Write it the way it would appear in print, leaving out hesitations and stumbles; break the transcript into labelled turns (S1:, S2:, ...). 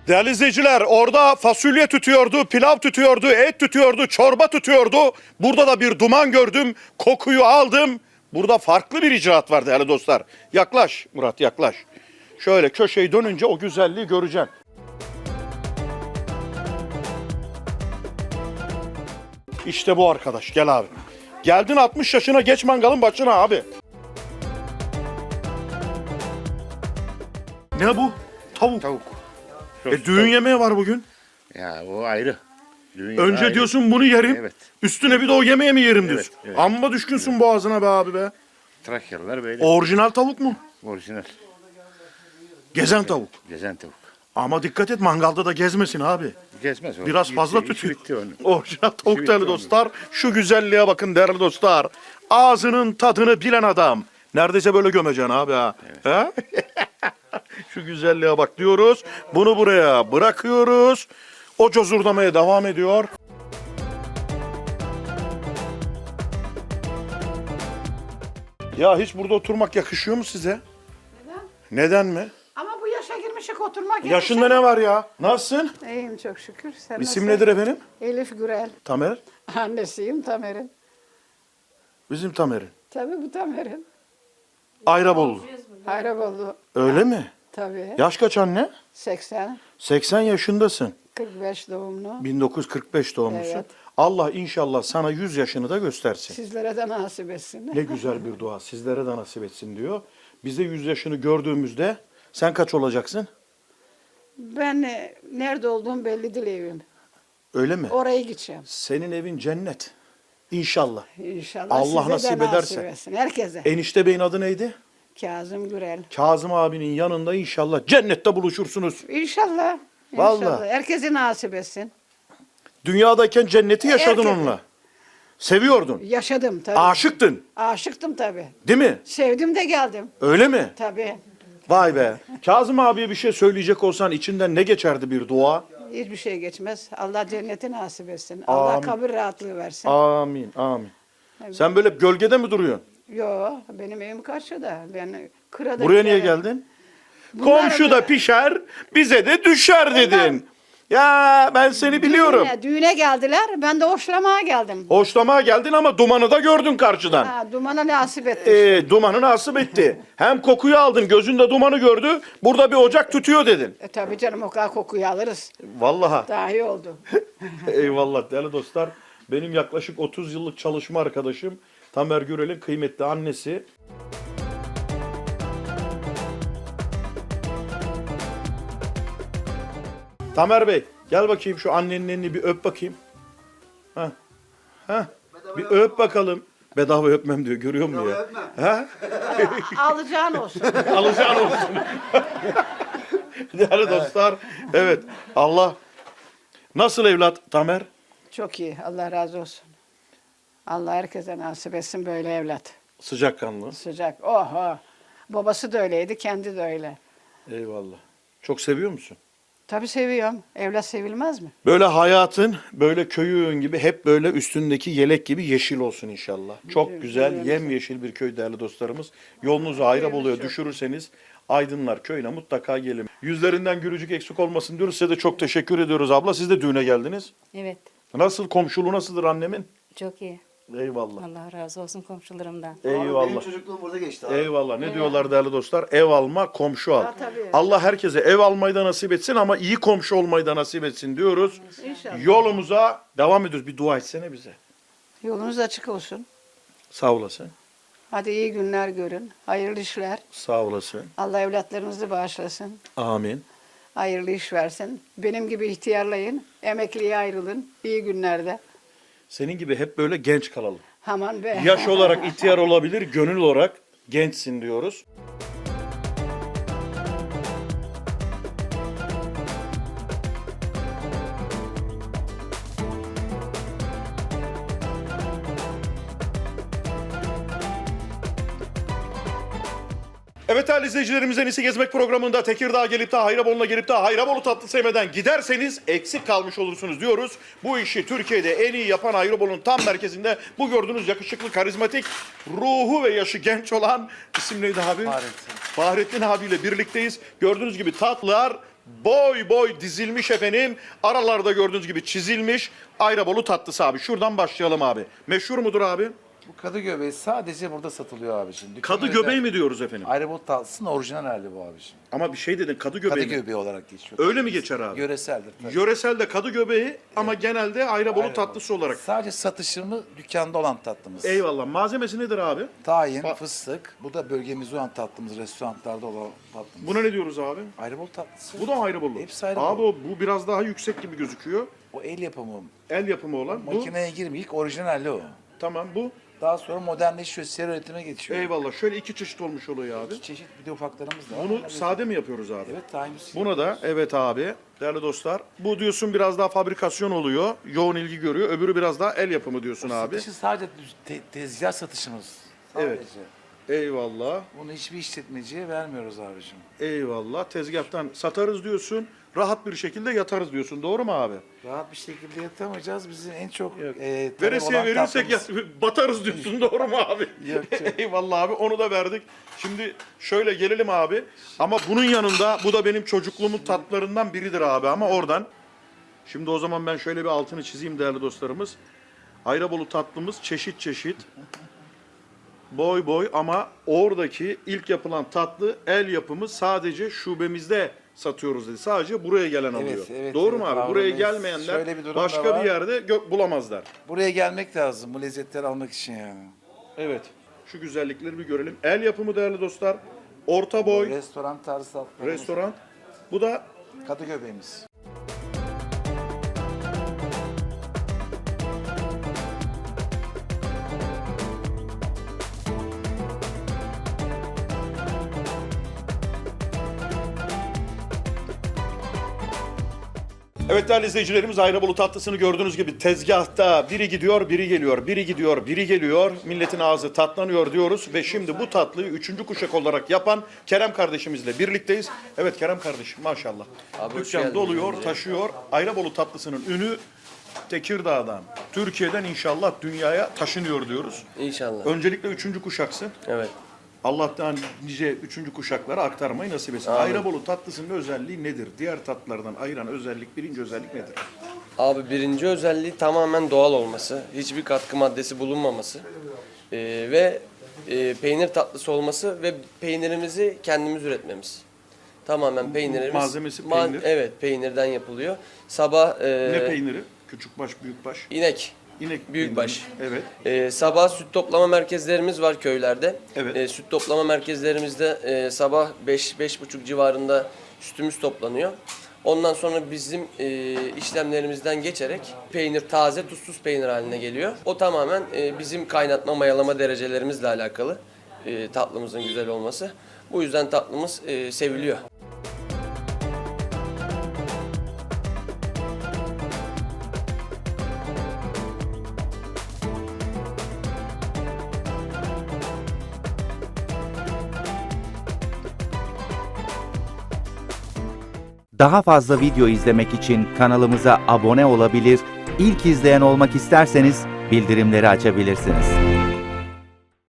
S1: Değerli izleyiciler, orada fasulye tütüyordu, pilav tütüyordu, et tütüyordu, çorba tütüyordu. Burada da bir duman gördüm, kokuyu aldım. Burada farklı bir icraat var değerli dostlar. Yaklaş Murat, yaklaş. Şöyle köşeyi dönünce o güzelliği göreceksin. İşte bu arkadaş, gel abi. Geldin 60 yaşına, geç mangalın başına abi. Ne bu? Tavuk.
S2: Tavuk.
S1: Düğün yemeği var bugün.
S2: Ya o ayrı. Düğün
S1: Önce
S2: ayrı.
S1: diyorsun bunu yerim.
S2: Evet.
S1: Üstüne bir de o yemeğe mi yerim diyorsun.
S2: Evet.
S1: Amma düşkünsün boğazına be abi be.
S2: Trakyalılar böyle.
S1: Orijinal tavuk mu?
S2: Orijinal.
S1: Gezen tavuk.
S2: Gezen tavuk.
S1: Ama dikkat et, mangalda da gezmesin abi.
S2: Gezmez o.
S1: Biraz fazla
S2: İşi
S1: tütüyor.
S2: bitti onun.
S1: Orijinal tavuk
S2: bitti
S1: değerli
S2: onun.
S1: dostlar. Şu güzelliğe bakın değerli dostlar. Ağzının tadını bilen adam. Neredeyse böyle gömeceksin abi ha. Ha? Şu güzelliğe bak diyoruz. Bunu buraya bırakıyoruz. O cozurdamaya devam ediyor. Ya hiç burada oturmak yakışıyor mu size?
S3: Neden?
S1: Neden mi?
S3: Ama bu yaşa girmişik oturmak
S1: Yaşında ne var ya? Nasılsın?
S3: İyiyim çok şükür. Sen
S1: İsim
S3: nasılsın?
S1: nedir efendim?
S3: Elif Gürel.
S1: Tamer.
S3: Annesiyim Tamer'in.
S1: Bizim Tamer'in.
S3: Tabii bu Tamer'in.
S1: Ayrabollu.
S3: Hayraboldu.
S1: Öyle mi?
S3: Tabii.
S1: Yaş kaç anne?
S3: 80.
S1: 80 yaşındasın.
S3: 45 doğumlu.
S1: 1945 doğumlusun.
S3: Evet.
S1: Allah inşallah sana 100 yaşını da göstersin.
S3: Sizlere de nasip etsin.
S1: Ne güzel bir dua. Sizlere de nasip etsin diyor. Biz de 100 yaşını gördüğümüzde sen kaç olacaksın?
S3: Ben nerede olduğum belli değil evim.
S1: Öyle mi?
S3: Oraya gideceğim.
S1: Senin evin cennet. İnşallah.
S3: İnşallah
S1: Allah
S3: size
S1: nasip
S3: de
S1: ederse.
S3: nasip etsin. Herkese.
S1: Enişte Bey'in adı neydi?
S3: Kazım Gürel.
S1: Kazım abinin yanında inşallah cennette buluşursunuz.
S3: İnşallah.
S1: Vallahi.
S3: İnşallah. Herkese nasip etsin.
S1: Dünyadayken cenneti yaşadın
S3: Herkese.
S1: onunla. Seviyordun.
S3: Yaşadım tabii.
S1: Aşıktın.
S3: Aşıktım tabii.
S1: Değil mi?
S3: Sevdim de geldim.
S1: Öyle mi?
S3: Tabii.
S1: Vay be. Kazım abiye bir şey söyleyecek olsan içinden ne geçerdi bir dua?
S3: Hiçbir şey geçmez. Allah cenneti nasip etsin. Allah
S1: Amin.
S3: kabir rahatlığı versin.
S1: Amin, amin. Sen böyle gölgede mi duruyorsun?
S3: Yo, benim evim karşıda. Ben kırada
S1: Buraya niye
S3: giderim.
S1: geldin?
S3: Bunlar
S1: Komşu da pişer, bize de düşer dedin. Ya ben seni biliyorum.
S3: Düğüne geldiler. Ben de hoşlamaya geldim.
S1: Hoşlamaya geldin ama dumanı da gördün karşıdan.
S3: Ha, dumana nasip etti.
S1: Dumanı nasip etti. Hem kokuyu aldın, gözünde dumanı gördü. Burada bir ocak tütüyor dedin.
S3: Tabii canım o kadar kokuyu alırız.
S1: Vallahi.
S3: Daha iyi oldu.
S1: Eyvallah değerli dostlar. Benim yaklaşık 30 yıllık çalışma arkadaşım Tamer Gürel'in kıymetli annesi. Tamer Bey gel bakayım şu annenin elini bir öp bakayım. Ha. Ha. Bir öp bakalım. Bedava öpmem diyor, görüyor musun ya? Ha?
S3: Alacağın olsun.
S1: Alacağın olsun. Değerli dostlar, evet Allah. Nasıl evlat Tamer?
S3: Çok iyi. Allah razı olsun. Allah herkese nasip etsin böyle evlat.
S1: Sıcakkanlı.
S3: Sıcak. Oh, oh. Babası da öyleydi, kendi de öyle.
S1: Eyvallah. Çok seviyor musun?
S3: Tabii seviyorum. Evlat sevilmez mi?
S1: Böyle hayatın, böyle köyün gibi hep böyle üstündeki yelek gibi yeşil olsun inşallah. Çok güzel, yemyeşil bir köy değerli dostlarımız. Yolunuzu Hayrabolu'ya düşürürseniz Aydınlar köyüne mutlaka gelin. Yüzlerinden gülücük eksik olmasın diyoruz. Size de çok teşekkür ediyoruz abla. Siz de düğüne geldiniz.
S4: Evet,
S1: Nasıl, komşuluğu nasıldır annemin?
S4: çok iyi.
S1: Eyvallah.
S4: Allah razı olsun komşularımdan.
S5: Benim
S1: Eyvallah.
S5: çocukluğum burada geçti abi.
S1: Eyvallah. Ne diyorlar değerli dostlar? Ev alma, komşu al.
S3: Ha, tabii.
S1: Allah herkese ev almayı da nasip etsin ama iyi komşu olmayı da nasip etsin diyoruz.
S3: İnşallah.
S1: Yolumuza devam ediyoruz. Bir dua etsene bize.
S3: Yolunuz açık olsun.
S1: Sağ olasın.
S3: Hadi iyi günler görün. Hayırlı işler.
S1: Sağ olasın.
S3: Allah evlatlarınızı bağışlasın.
S1: Amin.
S3: Hayırlı iş versin. Benim gibi ihtiyarlayın. Emekliye ayrılın. İyi günlerde.
S1: Senin gibi hep böyle genç kalalım.
S3: Aman be.
S1: Yaş olarak ihtiyar olabilir, gönül olarak gençsin diyoruz. Evet değerli izleyicilerimiz, En İyisi Gezmek programında Tekirdağ gelip de Hayrabolu'na gelip de Hayrabolu tatlı sevmeden giderseniz eksik kalmış olursunuz diyoruz. Bu işi Türkiye'de en iyi yapan Hayrabolu'nun tam merkezinde bu gördüğünüz yakışıklı, karizmatik, ruhu ve yaşı genç olan isim neydi abi? Fahrettin. Fahrettin abiyle birlikteyiz. Gördüğünüz gibi tatlılar boy boy dizilmiş efendim. Aralarda gördüğünüz gibi çizilmiş Ayrabolu tatlısı abi. Şuradan başlayalım abi. Meşhur mudur abi?
S5: Bu kadı göbeği sadece burada satılıyor abiciğim.
S1: Kadı göbeği mi diyoruz efendim?
S5: Ayrabolu tatlısının orijinal hali bu abiciğim.
S1: Ama bir şey dedin, kadı
S5: Kadı
S1: göbeği mi?
S5: göbeği olarak geçiyor.
S1: Öyle mi geçer abi?
S5: Yöreseldir tabii.
S1: Yöresel de kadı göbeği ama genelde Ayrabolu
S5: Ayrabolu.
S1: tatlısı olarak.
S5: Sadece satışımı dükkanda olan tatlımız.
S1: Eyvallah. Malzemesi nedir abi?
S5: Tahin, fıstık. Bu da bölgemizde olan tatlımız, restoranlarda olan tatlımız.
S1: Buna ne diyoruz abi?
S5: Ayrabolu tatlısı.
S1: Bu da Ayrabolu.
S5: Hepsi Ayrabolu.
S1: Abi bu biraz daha yüksek gibi gözüküyor.
S5: O el yapımı.
S1: El yapımı olan. Bu
S5: Makineye girmiyor. İlk orijinal hali o.
S1: tamam bu.
S5: Daha sonra modernleşiyor, seri üretime geçiyor.
S1: Eyvallah. Şöyle iki çeşit olmuş oluyor abi.
S5: Çeşit bir de ufaklarımız da var.
S1: Bunu
S5: Onlar
S1: sade mi yapıyoruz abi?
S5: Evet, tahinimiz.
S1: Buna da evet abi değerli dostlar. Bu diyorsun biraz daha fabrikasyon oluyor. Yoğun ilgi görüyor. Öbürü biraz daha el yapımı diyorsun abi.
S5: Satışı sadece tezgah satışımız. Sadece.
S1: Evet. Eyvallah.
S5: Bunu hiçbir işletmeciye vermiyoruz abicim.
S1: Eyvallah. Tezgahtan satarız diyorsun. Rahat bir şekilde yatarız diyorsun. Doğru mu abi?
S5: Rahat bir şekilde yatamayacağız. Bizim en çok talep
S1: Veresiye
S5: olan
S1: verirsek
S5: tatlımız-
S1: batarız diyorsun. Doğru mu abi?
S5: Yok, yok.
S1: Eyvallah abi. Onu da verdik. Şimdi şöyle gelelim abi. Ama bunun yanında bu da benim çocukluğumun tatlarından biridir abi ama oradan. Şimdi o zaman ben şöyle bir altını çizeyim değerli dostlarımız. Ayrabolu tatlımız çeşit çeşit. Boy boy ama oradaki ilk yapılan tatlı el yapımı sadece şubemizde satıyoruz dedi. Sadece buraya gelen alıyor.
S5: evet,
S1: Doğru
S5: evet,
S1: mu abi?
S5: Harun
S1: Buraya
S5: Bey,
S1: gelmeyenler
S5: şöyle bir durum da
S1: başka
S5: var.
S1: bir yerde bulamazlar.
S5: Buraya gelmek lazım bu lezzetleri almak için yani.
S1: Evet. Şu güzellikleri bir görelim. El yapımı değerli dostlar. Orta boy
S5: Restoran tarzı tatlılarımız.
S1: restoran. Bu da
S5: Kadı göbeğimiz.
S1: evet değerli izleyicilerimiz Ayrabolu tatlısını gördüğünüz gibi tezgahta biri gidiyor, biri geliyor, biri gidiyor, biri geliyor. Milletin ağzı tatlanıyor diyoruz ve şimdi bu tatlıyı 3. kuşak olarak yapan Kerem kardeşimizle birlikteyiz. Evet Kerem kardeşim maşallah.
S6: Abi hoş
S1: Dükkan
S6: geldiniz
S1: doluyor,
S6: önce.
S1: taşıyor. Ayrabolu tatlısının ünü Tekirdağ'dan, Türkiye'den inşallah dünyaya taşınıyor diyoruz.
S6: İnşallah.
S1: Öncelikle 3. kuşaksın.
S6: Evet.
S1: Allah'tan nice 3. kuşaklara aktarmayı nasip etsin.
S6: Amin.
S1: Ayrabolu tatlısının özelliği nedir? Diğer tatlılardan ayıran özellik, birinci özellik nedir?
S6: Abi birinci özelliği tamamen doğal olması. Hiçbir katkı maddesi bulunmaması. Ve peynir tatlısı olması ve peynirimizi kendimiz üretmemiz. Tamamen peynirimiz.
S1: Malzemesi peynir.
S6: Evet, peynirden yapılıyor. Sabah
S1: Ne peyniri? Küçükbaş, büyükbaş.
S6: inek.
S1: İnek
S6: Büyükbaş.
S1: peyniri. Evet.
S6: Sabah süt toplama merkezlerimiz var köylerde.
S1: Evet.
S6: Süt toplama merkezlerimizde sabah 5-5.30 civarında sütümüz toplanıyor. Ondan sonra bizim işlemlerimizden geçerek peynir taze tuzsuz peynir haline geliyor. O tamamen bizim kaynatma mayalama derecelerimizle alakalı tatlımızın güzel olması. Bu yüzden tatlımız seviliyor.
S7: Daha fazla video izlemek için kanalımıza abone olabilir, ilk izleyen olmak isterseniz bildirimleri açabilirsiniz.